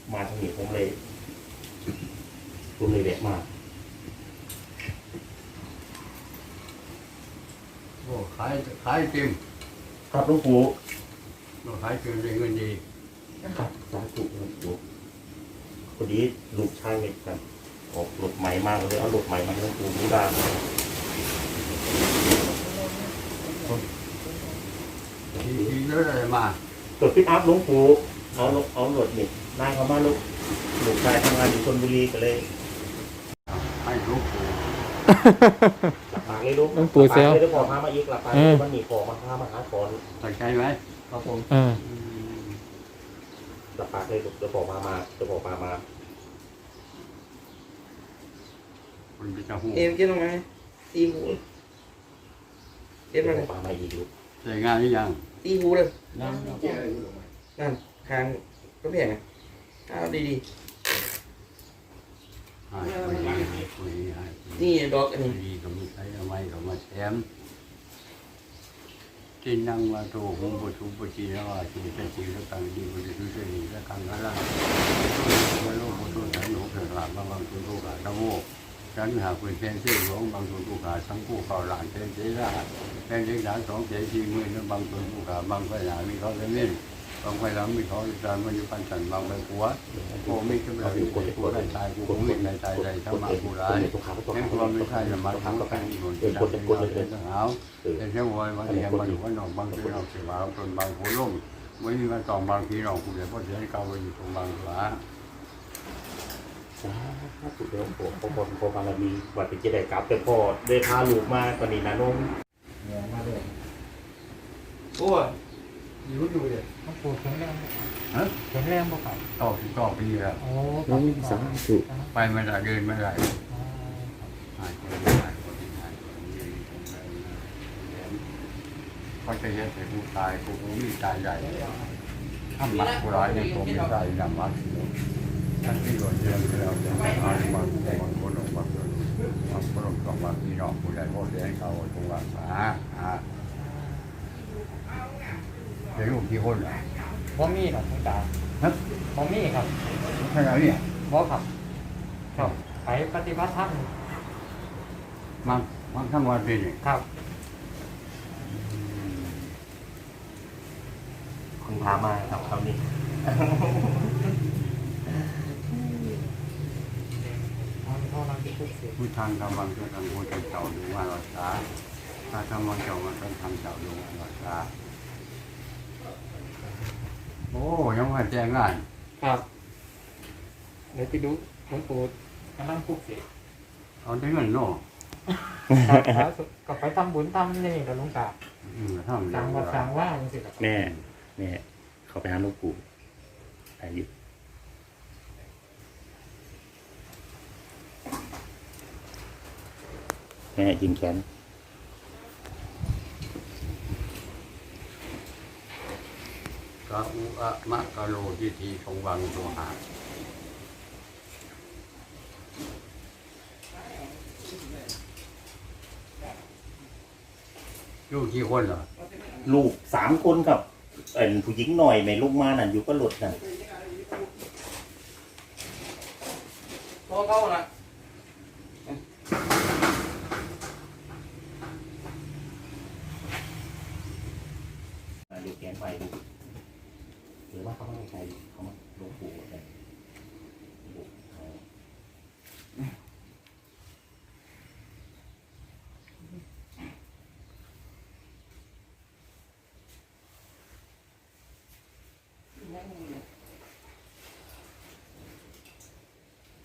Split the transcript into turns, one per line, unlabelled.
มาทางนี้ผมเลยแวะมา
โอ้ขายจริง
ครับหลวงปู่
ขายจริงได้เงินดี
ครับสาธุหลวงปู่พอดีลูกชายเนี่ยครับออกรถใหม่มากเลยเอารถใหม่มาให้หลวงปู่ดูได้
ทีเยอะเลยมา
ตรวจพิกอัพหลวงปู่เอารถนี่นายเขามาลูกชายทำงานอยู่ชลบุรีก็เลย
ให้ลูกปู่
หลับปากเลยลูกหลวง
ปู่เซล
เลยได้ขอมาอีกหลับปากมันหนีขอมาพามาหาขอ
ตั้งใจไหม
ครับผมหลับปากเลยลูกจะบอกมา
มันจะหู
เอ็มกินตรงไหนตีหูเอ็ม
มาปามาอีกลูก
ใส่งานหรือยัง
ตีหูเลยนั่นคางก็แพงอ่ะเอาดีนี่ดอกอันนี้
ดีก็มีใช้เอาไว้ก็มาแถมที่นั่งมาโตหงบุตรบุตรีแล้วว่าชีวิตจริงแล้วต่างดีบุตรช่วยดีแล้วกันแล้วล่ะว่าโลกบุตรฉันหนูเกิดหลับบางทุนทุกข์ตะโมฉันหากเป็นเพียงชื่อหลวงบางทุนทุกข์ทั้งคู่เก่าหลานเทนเจ้าแค่เล็กหลานสองเจ้าชีมือนั้นบางทุนทุกข์บางปัญหามีเขาเล่นบางไฟล้ำมีเขาจานมันอยู่ปันสันบางใบหัวโอ้ไม่ขึ้นมาอยู่คนผู้ได้ตายผู้ไม่ได้ตายใดทั้งมาผู้ร้ายแค่ความไม่ใช่ละมันทั้งก็เป็นคนที่ได้เป็นทหารแต่เชื่อว่าวันนี้มันอยู่ว่านอกบางทีเราเสียว่าคนบางหัวล่มไม่มีมาต่อบางทีเราผู้ใหญ่พ่อเสียเก่าไปอยู่ตรงบางหลา
สุดเดียวพอบารมีวัดเป็นเจดีย์กลับแต่พ่อได้พาลูกมาตอนนี้นะน้องเนี่ยมาเลย
โอ้ยอยู่เลย
หลวงปู่แข็งแรง
ฮะ
แข็งแรงบ่ครับ
ต่อปีแล้ว
โอ้
สาธุ
ไปไม่ได้เดินไม่ได้เขาจะเห็นแต่ผู้ตายผู้มีตายใหญ่ถ้ามัดผู้ร้ายในตัวมีตายดำมัดท่านที่โดนเยี่ยมแล้วจะมาบางแต่บางคนออกมาเกิดบางคนออกมาพี่น้องผู้ใหญ่พ่อเลี้ยงเขาตรงว่าเดี๋ยวลูกกี่คนอ่ะ
บ่มีครับคุณตาบ่มีครับ
ใช่ไหมเนี่ย
บ่ครับครับไปปฏิบัติธรรม
มันทั้งวันปีนี่
ครับ
คุณพามาครับคราวนี้
ผู้ทางกำลังจะทำผู้เจ้าดูว่ารักษาถ้าทำวันเจ้ามันต้องทำเจ้าดูว่ารักษาโอ้ยังมาแจ้งงาน
ครับเดี๋ยวไปดูหลวงปู่กำลังปลุกเสก
เอาได้เงินเนาะ
ครับก็ไปทำบุญทำนี่กับหลวงตาสั่งวัดสั่งว่าจังซี่ครับ
แม่เขาไปหาหลวงปู่อายุแม่ยิงแขน
กะอุอะมะกะโลทิทีของวังตัวหาลูกกี่คนเหรอ
ลูก3 คนกับผู้หญิงหน่อยแม่ลูกมานั่นอยู่ก็หลุดนั่น
โตเข้าละ
ดูแขนไปดูหรือว่าเขาไม่ใช่เขามาหลวงปู่